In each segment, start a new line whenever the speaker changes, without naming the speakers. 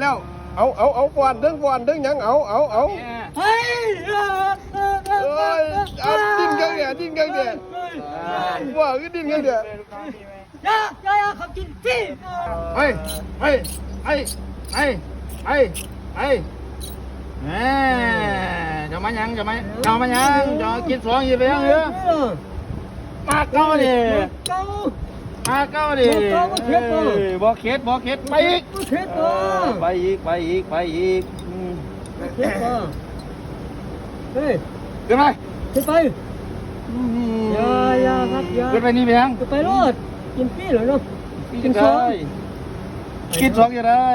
แล้วเอาฟอนดึงยังเอา
เฮ้ย
เอ้ยดิ้นกันเนี่ยว่าคือดิ้นกันเนี่ย
อย่าขับกินพี่
ไปแหมจะมายังจะกินสองยี่ไปยังเหรอมาเก้าดิบ่เข็ดไปอีกไปอีก
เฮ้ย
ขึ้นไป
ขึ้นไปอย่าครับอย่า
ขึ้นไปนี่ไปยัง
ขึ้นไปรถกินพี่เหรอเนาะ
กินสองยังได้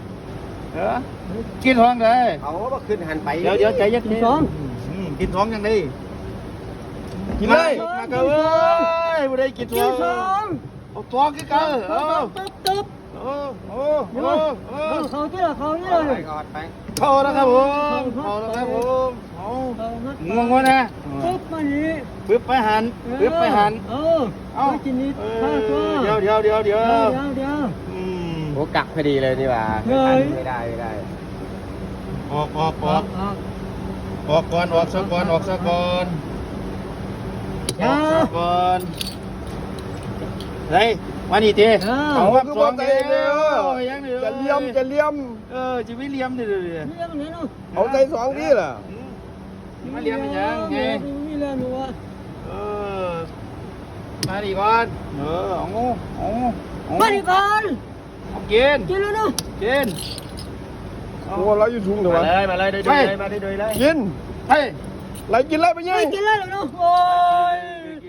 กินสองได้
เอาว่าขึ้นหันไป
เดี๋ยวใจเย็น
กินสอง
กินสองยังได้กินเลยมาเก้าเอ้ยบ่ได้กินส
กิ
อน ง
สอง
เอาสองกินเก้า
ตึ๊บเขาที่ละเขานี่เลย
เข้าแล้วครับผมงงวะนะ
ตึ๊บมานี่
ปึ๊บไปหัน
เอากินนิดข้าวตัว
เดี๋ยว
โอ้กักพอดีเลยนี่ว่าไม่ได้
ออกก่อนออกซะก่อนเฮ้ยมานี่ที
เอาคือบ่ใจเลยจะเลี่ยม
จะไม่เลี่ยมดิ
เอาใจสองทีล่ะ
มาเลี่ยมยังไง
มีเรื่องหนูอ่ะ
มาดิก่อนเอา
มาดิก่อน
เอากิน
กินแล้วเนาะ
กิน
โอ้เราอยู่ทุ่งเถอะวะ
มาเลยได้เลย
กิน
เฮ้ย
ไหลกินเลยไปยั
ไม่
ง
กินแล้วเนาะโอ้ย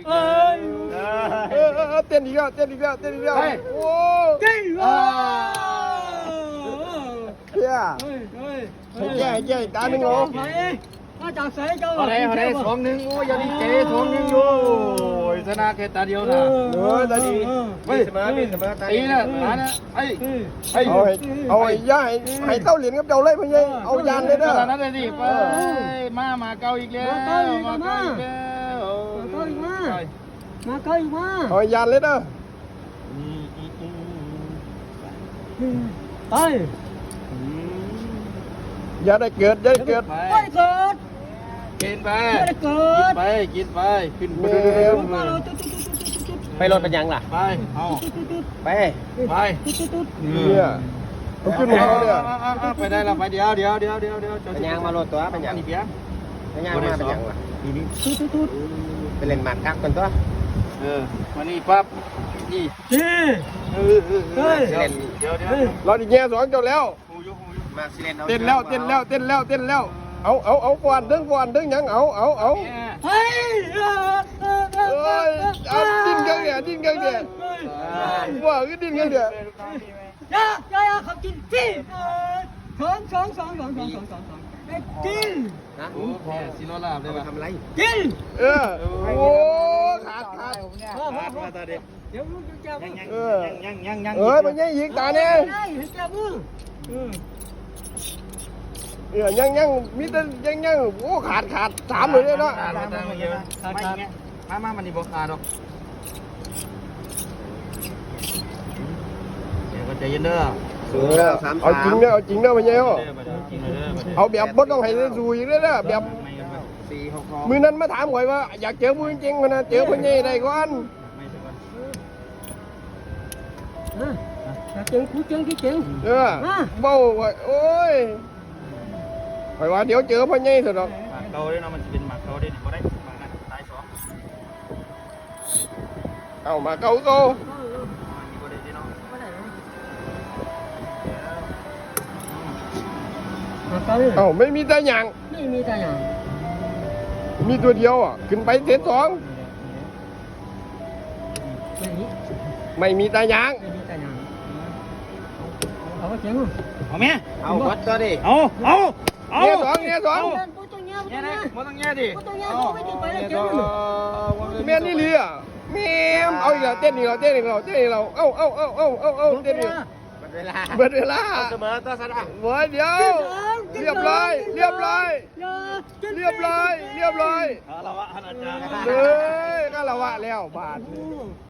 เต้นอีกแล้วโอ้
กินว้า
เฮียแย่ตาหนึ่งโอ้
มาจากใส่เจ้า
เอาได้สองหนึ่งโอ้ยาดีเจสองหนึ่งอยู่ชนะแค่ตาเดียวนะ
ตาดี
ตีนะไ
เอาไอ้ย่าให้เต้าเหรียญกับเจ้าเลยพี่ยัยเอายานเลยเด้อ
นั่นเลยดิไปมาเกาอีกแล้ว
มาเกาอีกมา
เอายานเลยเด้อ
ไป
อย่าได้เกิด
ไม่เกิด
กินไป
ไม่เกิด
กินไปขึ้น
ไปรถเป็นยังล่ะ
ไปเอา
ไป
เนี่ย
เอาขึ้นมาเนี่ย
ไปได้แล้วไปเดี๋ยว
เป็นยังมารถตัวเป็นยัง
นี่เปีย
เป็นยังมาเป็นยังล่ะไปเล่นหมากกักกันตัว
วันนี้ปั๊บนี่เดี๋ยว
เราดิแง่สองเจ้าแล้วเต้นแล้วเอาฟอนดึงยังเอา
เฮ้ย
ดิ้นกันเนี่ยว่าคือดิ้นกันเนี่ย
อย่าขับกินพี่สองกิน
นะโอ้แพ้ซีโร่ลาบเลยป่ะทำไร
กิน
โอ้ขาด
มาตาเด็ก
เดี๋ยวลูกจะจับ
ยัง
มันยังยิงตาเนี่ยยังมีแต่ยังโอ้ขาดสามเลยเนาะ
มามันนี่บอกขาดหรอกเดี๋ยวก็ใจเย็นเด้อ
เอาจริงเด้อมันยังเอาแบบบดต้องให้ได้ดูอีกเด้อแบบมือนั้นมาถามข่อยว่าอยากเจอมือจริงๆนะเจอคนใหญ่ได้ก่อน
เจ๋ง
เบ้าโอ้ยข่อยว่าเดี๋ยวเจอพ่อใหญ่สุดหรอก
เกาด้วยเนาะมันจะเป็นหมากเกาได้ก็ได้หมากนั้นตายสอง
เอามาเกาเอาไม่มีตาหยางมีตัวเดียวอ่ะขึ้นไปเซตสองไม่มีตาหยาง
เอาเจ๋ง
เอาแม่
เอาวัดก็ดิ
เอา
เนี่ยสอง
มันต้องแง่ดิ
แม่นี่เลียแม่เอาอีกแล้วเต้นอีกแล้วเเอาเต้นอีกเบิดเวลา
เสมอตัวสันอ่ะ
เดี๋ยวเรียบร้อย
คารวะอาจารย์
เลยคารวะแล้วบาท